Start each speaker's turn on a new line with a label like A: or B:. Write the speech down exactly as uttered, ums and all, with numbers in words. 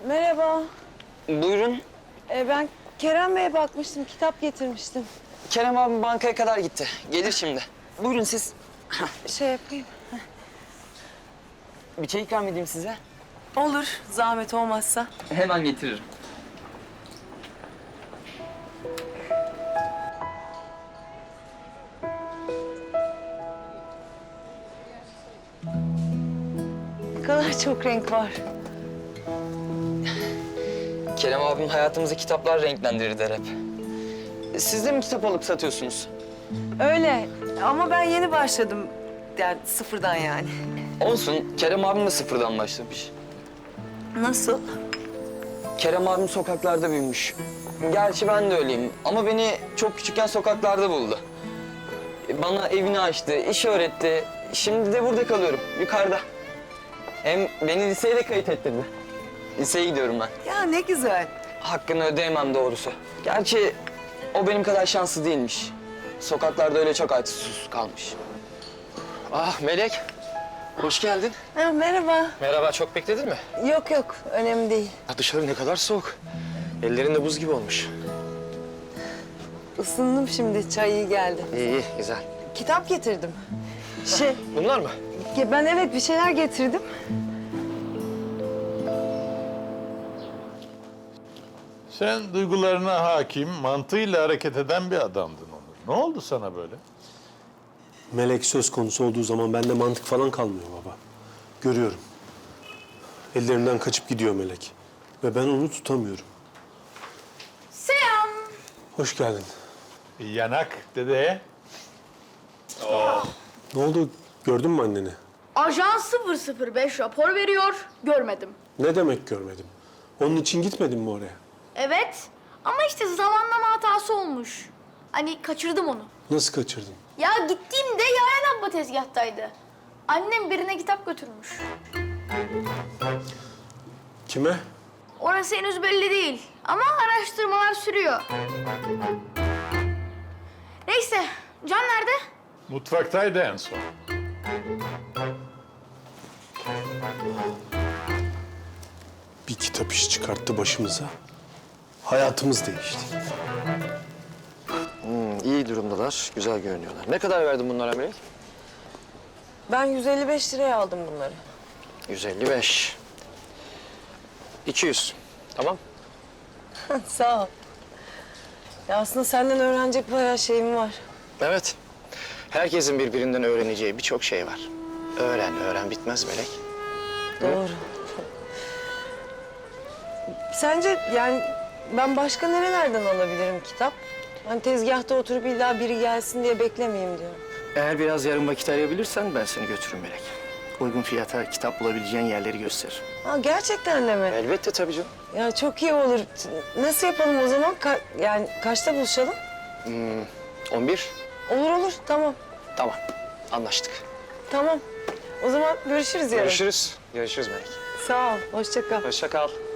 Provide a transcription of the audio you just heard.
A: Merhaba.
B: Buyurun.
A: Ee, ben Kerem Bey'e bakmıştım, kitap getirmiştim.
B: Kerem abim bankaya kadar gitti. Gelir şimdi. Buyurun siz.
A: Şey yapayım.
B: Bir çay ikram edeyim size.
A: Olur, zahmet olmazsa.
B: Hemen getiririm.
A: Ne kadar çok renk var.
B: Kerem abim hayatımızı kitaplar renklendirir der hep. Siz de mi kitap alıp satıyorsunuz?
A: Öyle ama ben yeni başladım. Yani sıfırdan yani.
B: Olsun. Kerem abim de sıfırdan başlamış.
A: Nasıl?
B: Kerem abim sokaklarda büyümüş. Gerçi ben de öyleyim ama beni çok küçükken sokaklarda buldu. Bana evini açtı, iş öğretti. Şimdi de burada kalıyorum, yukarıda. Hem beni liseye de kayıt ettirdi. Liseye gidiyorum ben.
A: Ya ne güzel.
B: Hakkını ödeyemem doğrusu. Gerçi o benim kadar şanslı değilmiş. Sokaklarda öyle çok açsız susuz kalmış. Ah Melek, hoş geldin.
A: Ha, merhaba.
C: Merhaba, çok bekledin mi?
A: Yok yok, önemli değil.
C: Ya dışarı ne kadar soğuk. Ellerin de buz gibi olmuş.
A: Isındım şimdi, çay iyi geldi.
C: İyi, iyi, güzel.
A: Kitap getirdim. Şey,
C: Bunlar mı?
A: ya ben evet bir şeyler getirdim.
D: Sen duygularına hakim, mantığıyla hareket eden bir adamdın Onur. Ne oldu sana böyle?
E: Melek söz konusu olduğu zaman bende mantık falan kalmıyor baba. Görüyorum. Ellerinden kaçıp gidiyor Melek. Ve ben onu tutamıyorum.
F: Selam.
E: Hoş geldin.
D: Bir yanak dede.
E: Ne oldu? Gördün mü anneni?
F: Ajan sıfır sıfır beş rapor veriyor. Görmedim.
E: Ne demek görmedim? Onun için gitmedin mi oraya?
F: Evet. Ama işte zamanlama hatası olmuş. Hani kaçırdım onu.
E: Nasıl kaçırdın?
F: Ya gittiğimde Yaren abla tezgahtaydı. Annem birine kitap götürmüş.
E: Kime?
F: Orası henüz belli değil. Ama araştırmalar sürüyor. Neyse. Can nerede?
D: Mutfaktaydı en son.
E: Bir kitap işi çıkarttı başımıza. Hayatımız değişti.
C: Hmm, iyi durumdalar, güzel görünüyorlar. Ne kadar verdin bunlara Melek?
A: Ben yüz elli beş liraya aldım bunları.
C: yüz elli beş. iki yüz. Tamam.
A: Sağ ol. Ya aslında senden öğrenecek bayağı şeyim var.
C: Evet. Herkesin birbirinden öğreneceği birçok şey var. Öğren, öğren bitmez Melek.
A: Doğru. Sence yani ben başka nerelerden alabilirim kitap? Hani tezgahta oturup illa biri gelsin diye beklemeyeyim diyorum.
C: Eğer biraz yarın vakit ayırabilirsen ben seni götürürüm Melek. Uygun fiyata kitap bulabileceğin yerleri gösteririm.
A: Ha gerçekten de mi?
C: Elbette tabii canım.
A: Ya çok iyi olur. Nasıl yapalım o zaman? Ka- yani kaçta buluşalım?
C: on bir.
A: Olur olur tamam.
C: Tamam. Anlaştık.
A: Tamam. O zaman görüşürüz yarın.
C: Görüşürüz. Görüşürüz Melek.
A: Sağ ol. Hoşça kal.
C: Hoşça kal.